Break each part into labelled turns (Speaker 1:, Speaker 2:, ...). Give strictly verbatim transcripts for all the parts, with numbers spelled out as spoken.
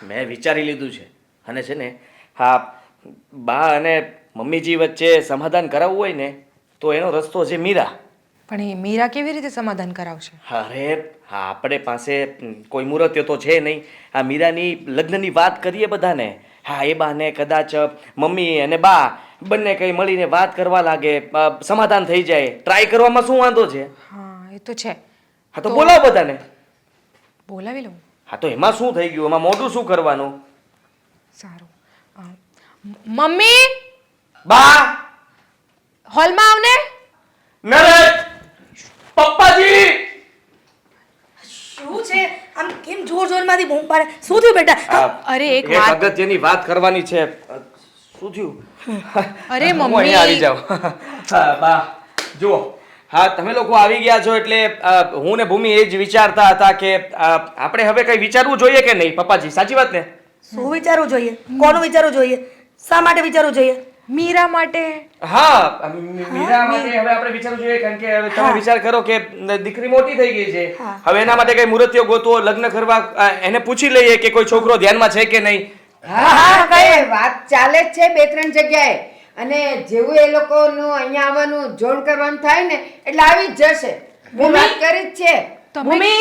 Speaker 1: મેં વિચારી લીધું છે અને છે ને હા બા અને મમ્મીજી વચ્ચે સમાધાન કરાવવું હોય ને તો એનો રસ્તો છે મીરા.
Speaker 2: પણ એ મીરા કેવી રીતે સમાધાન કરાવશે?
Speaker 1: અરે હા આપણે પાસે કોઈ મુહૂર્ત તો છે નહીં. આ મીરાની લગ્નની વાત કરીએ બધાને. હા એ બાને કદાચ મમ્મી અને બા બંને કંઈ મળીને વાત કરવા લાગે, સમાધાન થઈ જાય, ટ્રાય કરવામાં શું વાંધો છે?
Speaker 2: હા એ તો છે.
Speaker 1: હા તો બોલાવો બધાને.
Speaker 2: બોલાવી લઉં?
Speaker 1: હા તો એમાં શું થઈ ગયું? એમાં મોઢું શું કરવાનું?
Speaker 2: સારું. અ, મમ્મી
Speaker 1: બા
Speaker 2: હોલમાં આવને.
Speaker 1: નરેશ પપ્પાજી
Speaker 3: શું છે આમ કેમ જોર જોરમાંથી બૂમ પાડે? શું થયું બેટા?
Speaker 2: અરે એક
Speaker 1: એક
Speaker 2: વાત
Speaker 1: અગત્યની વાત કરવાની છે. શું થયું?
Speaker 2: અરે
Speaker 1: હું
Speaker 2: મમ્મી
Speaker 1: અહીંયા આવી જાઉં. હા બા જુઓ હા તમે લોકો આવી ગયા છો એટલે અ, હું ને ભૂમિ એ જ વિચારતા હતા કે અ, આપણે હવે કઈ વિચારવું જોઈએ કે નહીં પપ્પાજી? સાચી વાત ને?
Speaker 3: શું વિચારવું જોઈએ? કોનું વિચારવું જોઈએ? શા માટે વિચારવું જોઈએ?
Speaker 2: મીરા માટે.
Speaker 1: હા મી- મીરા માટે હવે આપણે વિચારવું જોઈએ કારણ કે હવે તમે
Speaker 3: હા.
Speaker 1: વિચાર કરો કે દીકરી મોટી થઈ ગઈ છે.
Speaker 3: હા.
Speaker 1: હવે એના માટે કઈ મુહૂર્તિયો ગોતવો, લગ્ન કરવા અ, એને પૂછી લઈએ કે કોઈ છોકરો ધ્યાનમાં છે કે નહીં.
Speaker 4: હા હા કઈ વાત ચાલે જ છે બે ત્રણ જગ્યાએ અને જેવું એ લોકોનું અહીંયા આવવાનું જોડ કરવાનું થાય ને એટલે આવી જ જશે. હું વાત કરી જ છે.
Speaker 2: તમે
Speaker 3: ભૂમિ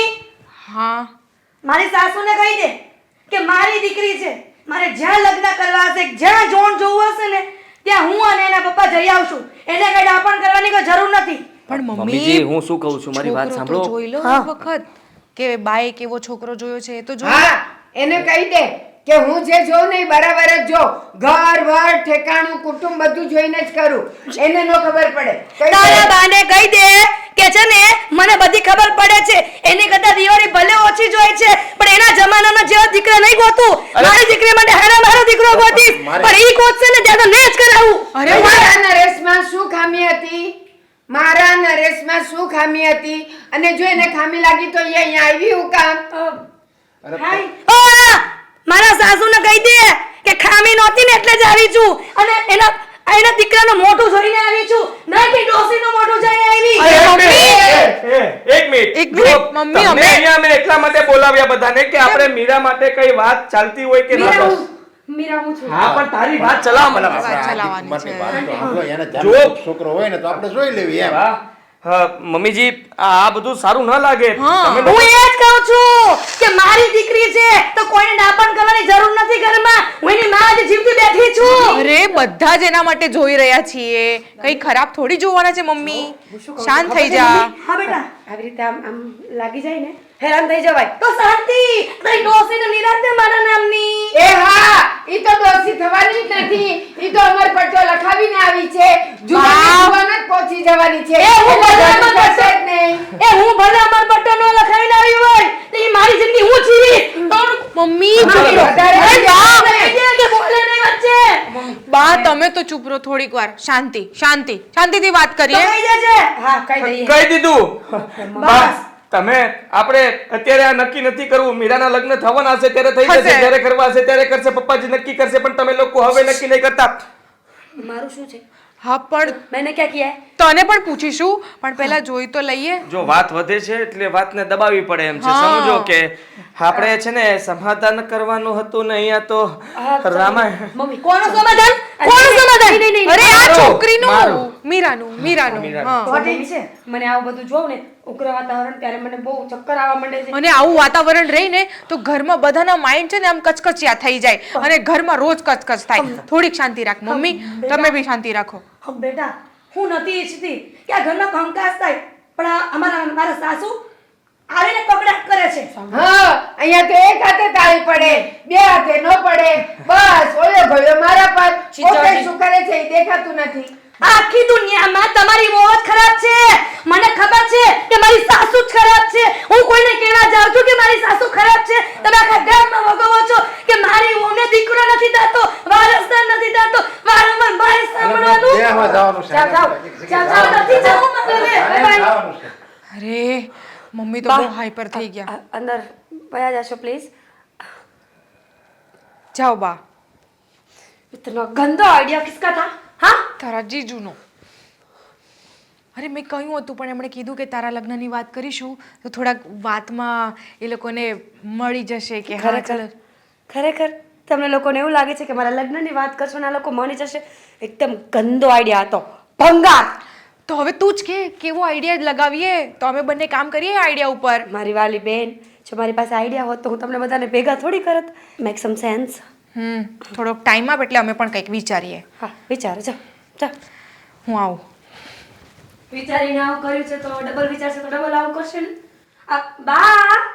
Speaker 2: હા
Speaker 3: મારી સાસુને કહી દે કે મારી દીકરી છે, મારે જ્યાં લગ્ન કરવા હશે, જ્યાં જોણ જોવું હશે ને ત્યાં હું અને એના પપ્પા જઈ આવશું. એને કઈ ડાપણ કરવાની કોઈ જરૂર નથી.
Speaker 2: પણ
Speaker 1: મમ્મીજી
Speaker 2: મમ્મી
Speaker 1: હું શું કહું છું મારી વાત
Speaker 2: છોકરો તો
Speaker 1: સાંભળો.
Speaker 2: જોઈ લો
Speaker 3: હા.
Speaker 2: એક વખત કે બાએ કેવો છોકરો જોયો છે એ તો જોઈ લો.
Speaker 4: હા એને કહી દે કે હું જે જોઉં ને એ બરાબર જ જો ઘર વાર ઠેકાણું કુટુંબ બધું જોઈને જ કરું. એને નો ખબર પડે. કહી
Speaker 3: તારા
Speaker 4: દે.
Speaker 3: બાને કહી દે કે છે ને મને બધી ખબર પડે છે. એની કરતા દિવાળી ભલે ઓછી જોઈ છે પણ એના જમાનામાં જેવો દીકરો નહીં ગોતું.
Speaker 1: અરે.
Speaker 3: મારી દીકરી માટે હારા મારો દીકરો ગોતીશ
Speaker 1: મારે-
Speaker 3: પણ ઈ ગોતશે ને ત્યાં તો ને જ કરાવું.
Speaker 2: અરે
Speaker 4: મારા નરેશમાં શું ખામી હતી? મારા નરેશમાં શું ખામી હતી? અને જો એને ખામી લાગી તો એ અહીંયા આવી હું કામ? હાય.
Speaker 3: ઓ, મારા સાસુને કહી દે કે ખામી નહોતી ને એટલે જ આવી છું અને એના એના દીકરાનું મોઢું જોઈને આવી છું, નહીં કે ડોસીનું મોઢું જોઈને આવી.
Speaker 2: અરે
Speaker 1: એક
Speaker 2: મમ્મી!
Speaker 1: મિનિટ, એ, એ, એક મિનિટ.
Speaker 2: એક મિનિટ,
Speaker 1: જો,
Speaker 2: મમ્મી,
Speaker 1: તમને
Speaker 2: અમે-
Speaker 1: અહીંયા અમે એટલા માટે બોલાવ્યા બધાને કે આપણે મીરા માટે કઈ વાત ચાલતી હોય કે ના
Speaker 4: મીરા
Speaker 1: બસ.
Speaker 4: હું- મીરા હું છું.
Speaker 1: હા પણ તારી વાત ચલાવ મને.
Speaker 2: વાત ચલાવવાની
Speaker 5: ઉંમરની
Speaker 2: છે.
Speaker 5: વાત તો સાંભળો, એને
Speaker 1: જો.
Speaker 5: ધ્યાનમાં છોકરો હોય ને તો આપણે જોઈ લેવી એમ.
Speaker 1: વાહ. હા, મમ્મીજી આ આ બધું સારું ન લાગે.
Speaker 2: હા.
Speaker 1: તમે
Speaker 3: હું એ જ કહું છું કે મારી દીકરી છે તો કોઈને ડાપણ કરવાની જરૂર નથી ઘરમાં. હું એની માં જ જીવતી બેઠી છું.
Speaker 2: અરે બધા જ એના માટે જોઈ રહ્યા છીએ, કઈ ખરાબ થોડી જોવાના છે મમ્મી. શાંત થઈ જા.
Speaker 3: હા બેટા
Speaker 4: આવી રીતે આમ આમ લાગી જાય ને હેરાન થઈ જવાય.
Speaker 3: તો શાંતિ તારી ડોસીને નિરાંતે મારા નામની.
Speaker 4: એ હા ઈ તો દોષી થવાની જ નથી. ઈ તો અમર પટ્ટો લખાવીને આવી છે. જુવાને જુવાને જ પહોંચી જવાની છે.
Speaker 3: એ હું
Speaker 4: એટલે
Speaker 3: ભલે
Speaker 4: જવાનું
Speaker 3: અમર
Speaker 4: થશે જ નહીં.
Speaker 3: એ હું ભલે અમર પટ્ટો નો લખાઈને આવી હોય તો ઈ મારી જિંદગી હું જીવીશ. તો
Speaker 2: મમ્મી
Speaker 4: હા,
Speaker 2: ચૂપ રહો.
Speaker 4: વધારે
Speaker 2: અરે બા,
Speaker 3: કહી દે કે બોલે નહીં વચ્ચે.
Speaker 2: બા તમે તો ચૂપ રહો થોડીક વાર. શાંતિ શાંતિ શાંતિથી વાત
Speaker 3: તો
Speaker 2: કરીએ.
Speaker 3: કહી દેજે.
Speaker 4: હા કહી દઈએ.
Speaker 1: કહી દીધું. બસ તમે આપણે અત્યારે આ નક્કી નથી કરવું. મીરાના લગ્ન થવાના હશે ત્યારે થઈ જશે,
Speaker 2: હશે.
Speaker 1: જ્યારે કરવા હશે ત્યારે કરશે. પપ્પાજી નક્કી કરશે પણ તમે લોકો હવે નક્કી નહીં કરતા.
Speaker 3: મારું શું છે?
Speaker 2: હા પણ
Speaker 3: મેને ક્યાં કિયા હે?
Speaker 2: તને પણ પૂછીશું પણ પહેલા જોઈ તો લઈએ.
Speaker 1: જો વાત વધે છે એટલે વાતને દબાવી પડે એમ છે.
Speaker 2: હા.
Speaker 1: સમજો કે આપણે છે ને સમાધાન કરવાનું હતું ને અહીંયા તો રામાયણ.
Speaker 3: મમ્મી કોનું સમાધાન? કોનું સમાધાન? નહીં, નહીં,
Speaker 2: અરે આ
Speaker 1: મારું,
Speaker 2: છોકરીનું
Speaker 1: મારું.
Speaker 2: મીરાનું મીરાનું
Speaker 1: મીરાનું.
Speaker 2: હા.
Speaker 3: તો ઠીક છે. મને આવું બધું જોઉં ને ઉગ્ર વાતાવરણ ત્યારે મને બહુ ચક્કર આવવા માંડે છે.
Speaker 2: અને આવું વાતાવરણ રહીને તો ઘરમાં બધાના માઇન્ડ છે ને આમ કચકચિયા થઈ જાય અને ઘરમાં રોજ કચકચ થાય. થોડીક શાંતિ રાખ મમ્મી, તમે બી શાંતિ રાખો.
Speaker 3: હમ બેટા હું નથી ઈચ્છતી કે આ ઘરમાં કંકાસ થાય પણ આ અમારા મારા સાસુ આવીને કકડાટ કરે છે.
Speaker 4: હા અહીંયા તો એક હાથે તાળી પડે, બે હાથે નો પડે. બસ ઓલો ગયો મારા પર. પોતે શું કરે છે એ દેખાતું નથી.
Speaker 3: આખી દુનિયામાં તમારી મોજ ખરાબ છે. મને ખબર છે કે મારી સાસુ જ ખરાબ છે. હું કોઈને કહેવા જાઉં છું કે મારી સાસુ ખરાબ છે, તમે આખા ગામમાં વગોવો છો કે મારી વહુને દીકરો નથી થતો, વારસદાર નથી થતો, વારંવાર મારે સાંભળવાનું.
Speaker 5: દેહમાં જવાનું છે.
Speaker 4: જાઓ, જાઓ. જાઓ, જાઓ.
Speaker 3: નથી જવું મારે.
Speaker 5: એમ જવાનું છે.
Speaker 2: અરે મમ્મી તો બહુ હાઈપર થઈ ગયા.
Speaker 3: અંદર વયા જશો પ્લીઝ.
Speaker 2: જાઓ બા.
Speaker 3: इतना गंदा आइडिया किसका था? हाँ
Speaker 2: તારા જીજુનો. અરે મેં કહ્યું હતું પણ એમણે કીધું કે તારા લગ્નની વાત કરીશું તો થોડાક વાતમાં એ લોકોને મળી જશે કે હા
Speaker 3: ખરેખર
Speaker 2: ચાલો.
Speaker 3: ખરેખર તમને લોકોને એવું લાગે છે કે મારા લગ્નની વાત કરશો ને આ લોકો માની જશે? એકદમ ગંદો આઈડિયા હતો, ભંગાર.
Speaker 2: તો હવે તું જ કે કેવો આઈડિયા લગાવીએ તો અમે બંને કામ કરીએ આઈડિયા ઉપર.
Speaker 3: મારી વાલી બેન, જો મારી પાસે આઈડિયા હોત તો હું તમને બધાને ભેગા થોડી કરત. મેક સમ સેન્સ.
Speaker 2: હમ થોડોક ટાઈમ આપ એટલે અમે પણ કંઈક વિચારીએ.
Speaker 3: હા વિચારો, જાઓ જાઓ.
Speaker 2: હું આવું.
Speaker 3: વિચારીને આવું કર્યું છે તો ડબલ વિચારશે તો ડબલ આવું કરશે ને. આ બા